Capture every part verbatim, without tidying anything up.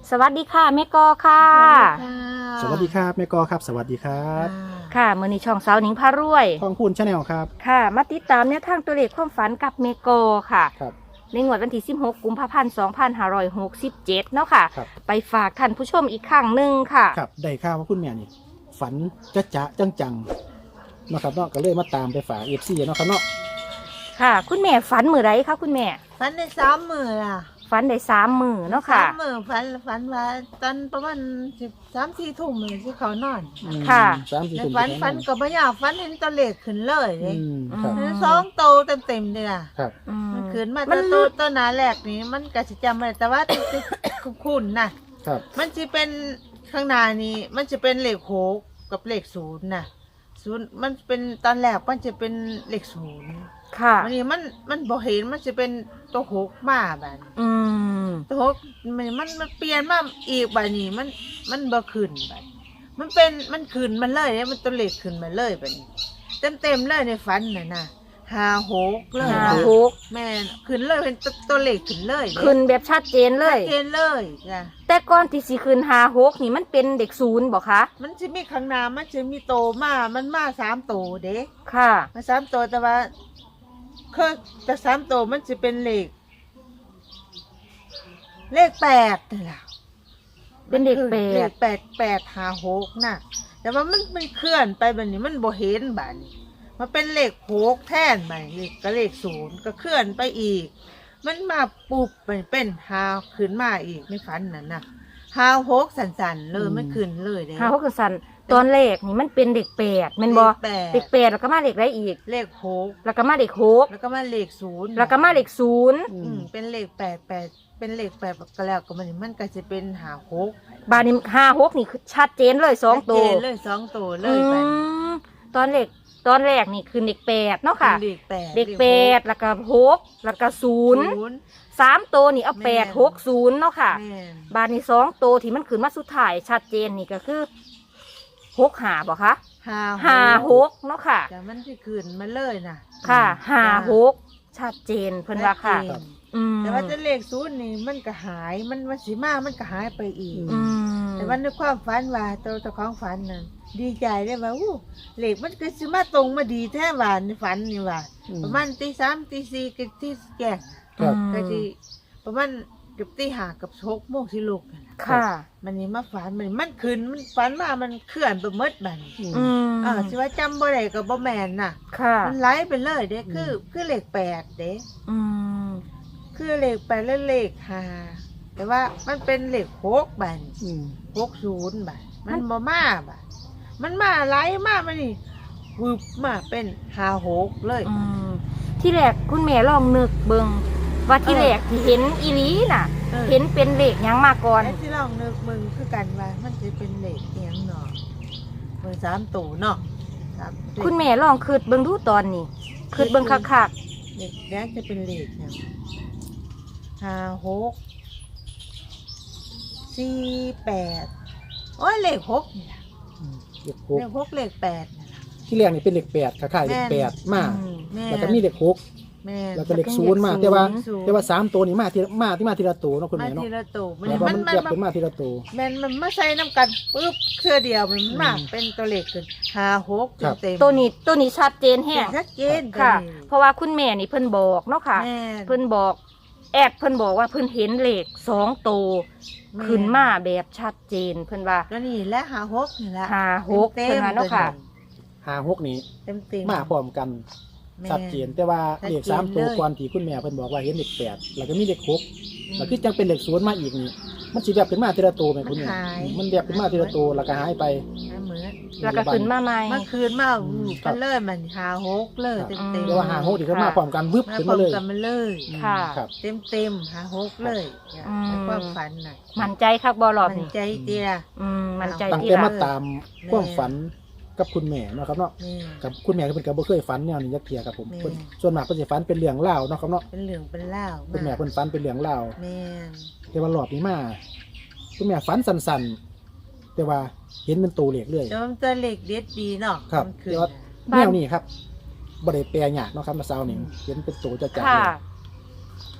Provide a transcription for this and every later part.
สวัสดีค่ะแม่กอค่ะสวัสดีครับแม่กอครับสวัสดีครับค่ะมื้อนี้ช่องสาวหนิงพารวยทองพูนชาแนลครับค่ะมาติดตามแนวทางตัวเลขความฝันกับแม่กอค่ะครับในงวดวันที่สิบหกกุมภาพันธ์สองพันห้าร้อยหกสิบเจ็ดเนาะค่ะไปฝากท่านผู้ชมอีกครั้งหนึ่งค่ะครับได้ข่าวว่าคุณแม่นี่ฝันจะจะจังจังๆนะครับเนาะก็เลยมาตามไปฝากเอฟซีเนาะครับเนาะค่ะคุณแม่ฝันมื้อไรคะคุณแม่ฝันได้สามมือล่ะฝันได้สามมื้อเนาะค่ะสามมือฝันฝันว่าตอนประมาณสิบสามสี่ทุ่มเลยที่เขานอนอืมค่ะสามสี่แต่ตุ่มฝันฝันก็บ่อยากฝันเห็นตัวเลขขึ้นเลยเลอืยมครับอืมสองโตเต็มเต็มๆเลยล่ะครับอืมมันขึ้นมามัตัวน โตตัวหนาแรกนี่มันก็สิจำไม่ได้แต่ว่าติดติดคุ้นๆนะครับ มันจะเป็นข้างหน้านี้มันจะเป็นเลขหกกับเลขศูนย์น่ะศูนย์มันเป็นตอนแรกมันจะเป็นเลขศูนย์ค่ะวันนี้มันมันบ่เห็นมันจะเป็นตัวหกมาแบบอืมตัวหกมันมันมันเปลี่ยนมาอีกแบบนี้มันมันบ่ขึ้นแบบมันเป็นมันขึ้นมันเลยเนี่ยมันตัวเลขขึ้นมาเลยแบบนี้เต็มเต็มๆเลยในฝันน่ะนะหาหกเลยห้านะหกแม่นขึ้นเลยเป็นตัวตัวเลขขึ้นเลยเด้ขึ้นแบบชัดเจนเลชัยดเจนเลยจ้ะแต่ก่อนที่สิขึ้นห้าหกนี่มันเป็นเด็กศูนย์บอกคะมันจะมีข้างหน้ามันจะมีโตมามันมาสามโตเด้ค่ะมาสามโตแต่ว่าคือแต่สามโตมันจะเป็นเลข เลขแปดนี่ล่ะเป็นเด็กแปเลดขแปดแปดหาหกน่ะ แต่ว่ามันมันเคลื่อนไปแบบนี้มันบ่เห็นแบบนี้มันเป็นเลขหกแทนไปเลขก็เลขศูนย์ก็เคลื่อนไปอีก มันมาปุบมันเป็นหาขึ้นมาอีกในฝันนั่นน่ะหาหกสันๆเลยไม่ขึ้นเลยเด้ห้าหกคือสันตอนแรกนี่มันเป็นเด็กแปดแม่นบอเลขแปดเด็กแปดแล้วก็มาเด็กไรอีกเลขหกแล้วก็มาเด็กหกแล้วก็มาเลขศูนย์แล้วก็มาเด็กศูนย์อือืมมเป็นเลขแปดแปดเป็นเลขแปดก็แล้วก็มันมันก็จะเป็นหาหกบาดนี้ห้าหกนี่คือชัดเจนเลยสองตัวชัดเจนเลยสองตัวเลยไปอืมตอนแรกตอนแรกนี่คือเด็กแปดเนาะค่ะเลขแปดเด็กแปดแล้วก็หกแล้วก็ศูนย์ศูนย์สามตัวนี่เอาแม่แปดหกศูนย์เนาะค่ะแม่นบาดนี้สองตัวที่มันขึ้นมาสุดท้ายชัดเจนนี่ก็คือหกหาบอกคะหาห้าหกเนาะค่ะแต่มันที่ขึ้นมาเลยนะค่ะห้าหกชัดเจนเพิ่นว่าค่ะชัดเจนอืมแต่ว่าจะเลขศูนย์นี่มันก็หายมันมันสีมามันก็หายไปอีกอืมแต่ว่าในความฝันว่าตัวตัวของฝันนั่นดีใจได้ว่าอู้เลขมันก็สิมาตรงมาดีแท้ว่าในฝันนี่ว่าอืมประมาณตีสามตีสี่กับที่แก่งครับก็ที่ประมาณเกับตีห้ากับหกโมงสิลูกนั่นน่ะค่ะมันนี่มาฝันมันมันขึ้นมันฝันว่ามันเคลื่อนไปหมดบัดนอืมอืมอ่าสิว่าจำบ่ได้ก็บ่แม่นน่ะค่ะมันไหลไปเลยเด้คืออืมคือเลขแปดเด้อืมคือเลขแปดและเลขห้าแต่ว่ามันเป็นเลขหกบัดนอืมหกศูนย์บัดมันบ่มาบัดมันมาไหลมามันนี่วึบมาเป็นห้าหกเลยอืมที่แรกคุณแม่ลองนึกเบิงว่าที่เออแรกที่เห็นอีหลีน่ะออเห็นเป็นเลขหยังมาก่อนไอ้ที่ลองนึกมึงคือกันว่ามันจะเป็นเลขเอียงเนาะเบอร์สามตู่เนาะสามเลขคุณแม่ลองคืดเบิงดูตอนนี้คืดเบิงคักเลขแรกจะเป็นเลขเนี่ยห้าหกสี่แปดโอ้ยเลขหกนี่ล่ะอืมเลขหเลกขหกเลขแปดนี่ล่ะที่แรกนี่เป็นเลขแปดคล้ายๆเลขแปดๆมาอืมแม่แล้วก็มีเลขหกแม่แล้วก็เลขแล้วก็ศูนย์มาเลขแต่ว่าศูนย์แต่ว่าสามตัวนี่มาทีละมาที่มาทีละตัวเนาะคุณมาแม่เนาะทีละตู่มันแล้วก็มันมันมันเรียบเป็นมาทีละตัวแม่นมันมาใส่น้ำกันปุ๊บเครือเดียวมันมาอืมเป็นตัวเลขขึ้นห้าหกครับเต็มๆตัวนี้ตัวนี้ชัดเจนแห้งชัดเจนค่ะตัวนี้เพราะว่าคุณแม่นี่เพิ่นบอกเนาะค่ะแม่นเพิ่นบอกแอดเพิ่นบอกว่าเพิ่นเห็นเลขสองตัวแม่ขึ้นมาแบบชัดเจนเพิ่นว่าก็นี่แหละหาหกนี่แหละห้าหกเต็เพิ่นมว่าๆเนาะค่ะหาหกนี้เต็มเต็มมาพร้อมกันแม่ชัดเจนแต่ว่าชัดเลขเจนสามตัวเลยก่อนที่คุณแม่เพิ่นบอกว่าเห็นเลขแปดแล้วก็มีเลขหกแล้วคือจังเป็นเลขศูนย์มาอีกนี่มันสิแบบเป็นมาทีละตัวไหมคุณแม่มันแบบเป็นมาทีละตัวแล้วก็หายไปนะเหมือนแล้วก็ขึ้นมาใหม่เมื่อคืนมาอืมวูบครักับ นเลยมันหาหกเลยเต็มอืเต็มมเรียกว่าหาหกที่เขามาพร้อมกันวึบมาขึ้นพร้อมาม เลยกันมาเลยค่ะครับเต็มเต็มหาหกเลยอืมในความฝันน่ะมั่นใจคักบ่รอบมันนี้ใจเดียอืมมั่นใจตั้งที่แต่ละมาตามความฝันกับคุณแม่เนาะครับเนาะนี่กับคุณแม่ก็เป็นกับบ่เคยฝันแนวนี้จักเที่ยครับผมแม่เพิ่นส่วนมากเพิ่นสิฝันเป็นเรื่องเล่าวเนาะครับเนาะเป็นเหลืองเป็นเล่าวคุณแม่เพิ่นฝันเป็นเรื่องเล่าวแม่นแต่ว่ารอบนี้มาคุณแม่ฝันสั้นๆแต่ว่าเห็นเป็นตัวเลขเลยแต่ว่ามันตัวเล็กเด็ดดีเนาะครับมันคืนแต่ว่าน่ะแนวนี้ครับบ่ได้แปลยากเนาะครับมาเซานี่เห็นเป็นตัวจะจัดค่ะเลย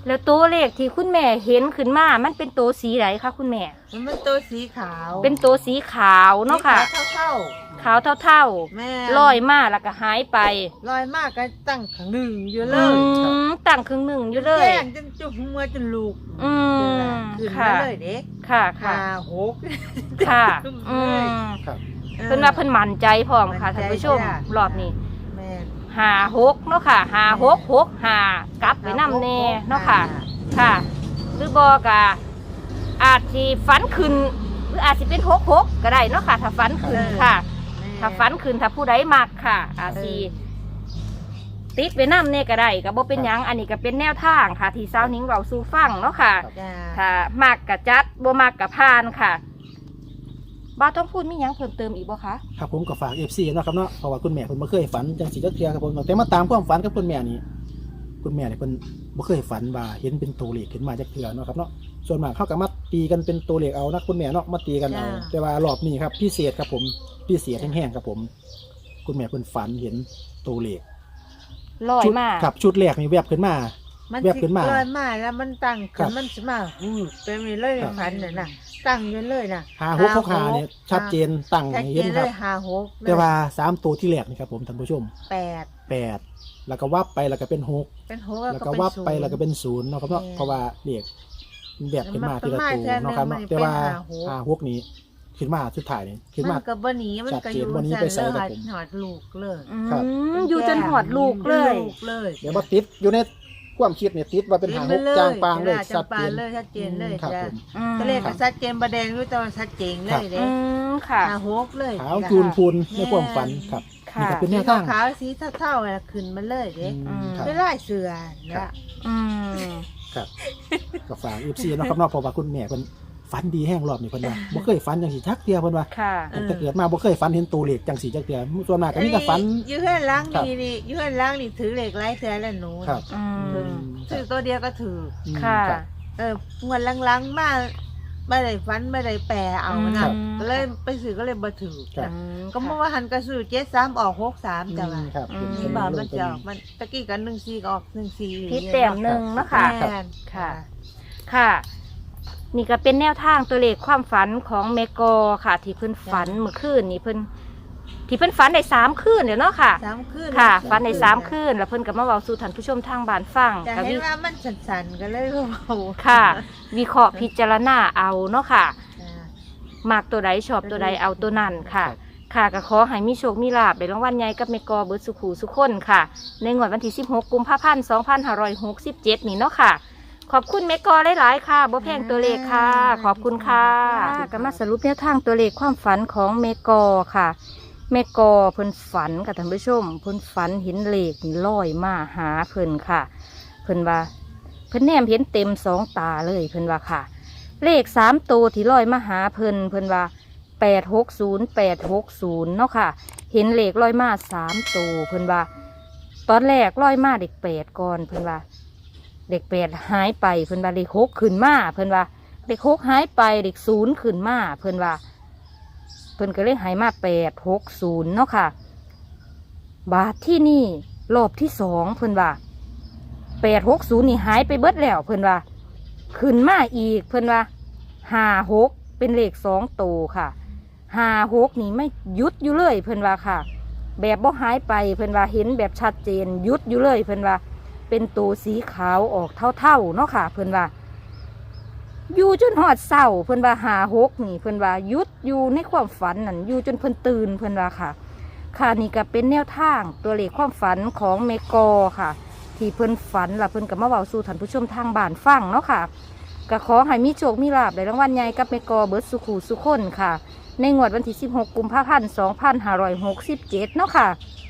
แล้วตัวเลขที่คุณแม่เห็นขึ้นมามันเป็นตัวสีไหนคะคุณแม่มันเป็นตัวสีขาวเป็นตัวสีขาวเนาะค่ะสีขาวเท่าขาวเท่าๆแม่ๆลอยมาแล้วก็หายไปลอยมากก็ตั้งขังหนึ่งอยู่เลอืยมตั้งครึ่งหนึ่งอยู่เลยแจ้งจนจุ่มหัวจนลูกอืมขึ้นค่ะมาเลยเด็กค่ะค่ะหาหกค่ะขึ้นอืมาเลยมครับเพิ่นว่าเพิ่นมั่นใจพร้อมค่ะมั่นใจท่านผู้ชมจ้ะรอบนี้แม่หาหกเนาะค่ะหาหกหกหากลับไปนำแน่เนาะค่ะ ค่ะ หรือบอกะอาจสิฝันขึ้น หรืออาจสิเป็นหกหกก็ได้เนาะค่ะ ถ้าฝันขึ้นค่ะแม่ถ้าฝันขึ้นถ้าผู้ใดมักค่ะ อาจสิติดไปนำแน่ก็ได้ก็บ่เป็นหยังอันนี้ก็เป็นแนวทางค่ะ ที่สาวนิ้งเราสู่ฟังเนาะค่ะจ้าถ้ามักกะจัดบ่มักกะพานค่ะบ้าต้องพูดมีหยังเพิ่มเติมอีกบ่คะครับผมก็ฝาก เอฟ ซี เนาะครับเนาะเพราะว่าคุณแม่เพิ่นบ่เคยฝันจังสิจักเทื่อครับผมแต่มาตามความฝันกับคุณแม่นี่คุณแม่นี่เพิ่นบ่เคยฝันว่าเห็นเป็นตัวเลขขึ้นมาจักเทื่อเนาะครับเนาะส่วนมากเขาก็มาตีกันเป็นตัวเลขเอานะคุณแม่เนาะมาตีกันเอาแต่ว่ารอบนี้ครับพิเศษครับผมพิเศษแห้งๆครับผม คุณแม่เพิ่นฝันเห็นตัวเลขลอยชุดมาครับชุดแรกนี่แวบขึ้นมามันแวบขึ้นมาลอยมาแล้วมันตั้งครัขึ้บนมันสิมาหูเป็นไปเลยครับพันน่ะนะตั้งอยู่เลยน่ะหาหกหกหาเนี่ยชัดเจนตั้งชัดให้เจเห็นนคเลรับยหาหกเลยแต่ว่าสามตัวที่แรกนี่ครับผมท่านผู้ชมแปดแปดแล้วก็วับไปแล้วก็เป็นหกเป็นหกแล้วก็วับไปแล้วก็เป็นศูนย์เนาะครับเนาะแม่เพราะว่าเลขมันแบบขึ้นมาทีละมันตัวมาเนาะครับเนาะเทื่อหนึ่งแต่ว่ามันเป็นห้าหกหาหกนี้ขึ้นมาสุดท้ายนี่ขึ้นมัมานก็บ่หนีมันก็อยู่ชัดเจนวันนี้ไปใส่เลกับยผมหอดลูกเลยอืครับมอยู่จนหอดลูกเลยลูกเลยเดี๋ยวมาติดอยู่ในความคิดเนี่ยติดว่าเป็นหาหกจางปางเลยจาชังดปาเจงนเลยชัดเจนเลยครับจ้ะผมอืมตัวเลขก็ชัดเจนประเด็นรู้แต่ว่าชัดเจนเลยเด้อืมค่ะหาหกเลยขาวจูนพูนในความฝันครับค่ะนี่ก็เป็นแนสีวทางขาวสีเท่าๆน่ะขึ้นมาเลยเด้อืมครับเป็นลายเสือครันะบอืมครับก็ฝาก เอฟ ซี เนาะครับเนาะเพราะว่าคุณแม่เพิ่นฝันดีแห้งรอบนี่เพิ่นว่าบ่เคยฝันจังสิจักเที่ยเพิ่นว่าค่ะตั้งแต่เกิดมาบ่เคยฝันเห็นตัวเลขจังสีจักเทื่อส่วนมากก็มีแต่ฝันอยู่ข้างล่างครับนี่นี่อยู่ข้างล่างนี่ถือเหล็กไร้เสือแล้วหนูครับอืมถือตัวเดียวก็ถืออืมค่ะรับเออเงินลังๆมาไม่ได้ฟันไม่ได้แปรเอาครันะบก็เลยไปซื้อก็เลยบ่ถือครับอืมก็เมื่อวานหันกระสือเจ็ดสามออกหกสามจ้ะว่าครับอืมที่บ่ามันจะออกมันตะกี้กันหนึ่งสี่ก็ออกหนึ่งสี่พิษแต้มหนึ่งเนาะค่ะแม่นค่ะ ค่ะ นี่ก็เป็นแนวทางตัวเลขความฝันของเมกอค่ะ ที่เพิ่นฝันเมื่อคืนนี่เพิ่นที่เพิ่นฝันได้สามคืนเดี๋ยวเนาะค่ะสามคืนค่ะฝันได้สามคืนแล้วเพิ่นก็มาเว้าสู่ท่านผู้ชมทางบ้านฟังจะก็เห็วินว่ามันสั่นๆก็เลยเบาๆค่ะ วิเคราะห์พิจารณาเอาเนาะค่ะจ้ะมากตัวใดชอบตัวใดเอาตัวนั้นค่ะ ค่ะก็ขอให้มีโชคมีลาภได้รางวัลใหญ่กับเมกอเบิร์ดสุขูสุขคนค่ะ ในงวดวันที่สิบหกกุมภาพันธ์สองพันห้าร้อยหกสิบเจ็ดนี่เนาะค่ะ ขอบคุณเมกอหลายๆค่ะบ่แพงตัวเลขค่ะ ขอบคุณค่ะก็มาสรุปแนวทางตัวเลขความฝันของเมกอค่ะ เมกอเพิ่นฝันค่ะท่านผู้ชมเพิ่นฝันเห็นเลขนี่ลอยมาหาเพิ่นค่ะ เพิ่นว่าเพิ่นแนมเห็นเต็มสองตาเลยเพิ่นว่าค่ะ เลขสามตัวที่ลอยมาหาเพิ่นเพิ่นว่าแปดหกศูนย์แปดหกศูนย์เนาะค่ะ เห็นเลขลอยมาสามตัวเพิ่นว่า ตอนแรกลอยมาเด็กแปดก่อนเพิ่นว่าเด็กแปดหายไปเพิ่นว่าเลขหกขึ้นมาเพิ่นว่าเลขหกหายไปเลขศูนย์ขึ้นมาเพิ่นว่าเพิ่นก็เลยหายมาแปดหกศูนย์เนาะค่ะ บาทที่นี่รอบที่สองเพิ่นว่าแปดหกศูนย์นี่หายไปเบิดแล้วเพิ่นว่า ขึ้นมาอีกเพิ่นว่าห้าหกเป็นเลขสองตัวค่ะห้าหกนี่ไม่หยุดอยู่เลยเพิ่นว่าค่ะ แบบบ่หายไปเพิ่นว่าเห็นแบบชัดเจนหยุดอยู่เลยเพิ่นว่า เป็นตัวสีขาวออกเท่าๆเนาะค่ะ เพิ่นว่า อยู่จนหอดเศร้าเพิ่นว่าห้าหกนี่เพิ่นว่าหยุดอยู่ในความฝันนั่นอยู่จนเพิ่นตื่นเพิ่นว่าค่ะ ค่ะนี่ก็เป็นแนวทางตัวเลขความฝันของเมกอค่ะ ที่เพิ่นฝันแล้วเพิ่นก็มาเว้าสู่ท่านผู้ชมทางบ้านฟังเนาะค่ะก็ขอให้มีโชคมีลาภได้รางวัลใหญ่กับเมกอเบิร์ดสุขูสุขคนค่ะ ในงวดวันที่สิบหกกุมภาพันธ์สองพันห้าร้อยหกสิบเจ็ดเนาะค่ะ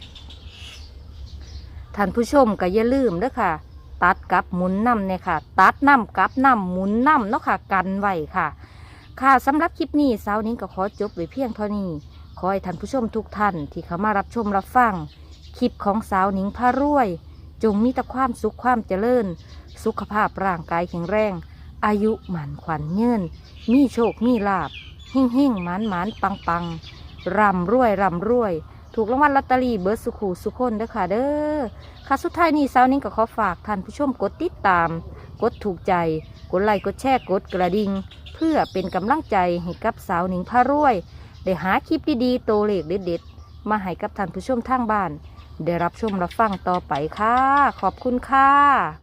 ท่านผู้ชมก็อย่าลืมเด้อค่ะ ตัดกับหมุนน้ำเนี่ยค่ะ ตัดน้ำกับน้ำหมุนน้ำเนาะค่ะกันไว้ค่ะ ค่ะสำหรับคลิปนี้สาวนิ้งก็ขอจบไว้เพียงเท่านี้ขอให้ท่านผู้ชมทุกท่านที่เข้ามารับชมรับฟังคลิปของสาวนิ้งพารวย จงมีแต่ความสุขความเจริญ สุขภาพร่างกายแข็งแรง อายุหมันขวัญเงินมีโชคมีลาบหิ่งหิ่งหมานหมานปังปังร่ำรวยร่ำรวย ถูกรางวัลลอตเตอรี่เบิร์ดสุขูสุขคนเด้อค่ะเด้อค่ะสุดท้ายนี้สาวนิ้งก็ขอฝากท่านผู้ชมกดติดตาม กกดถูกใจกดไลค์กดแชร์กดกระดิ่งเพื่อเป็นกำลังใจให้กับสาวหนิงพารวยได้หาคลิปดีๆโตวเลขเด็ดๆมาให้กับท่านผู้ชมทางบ้านได้รับชมรับฟังต่อไปค่ะขอบคุณค่ะ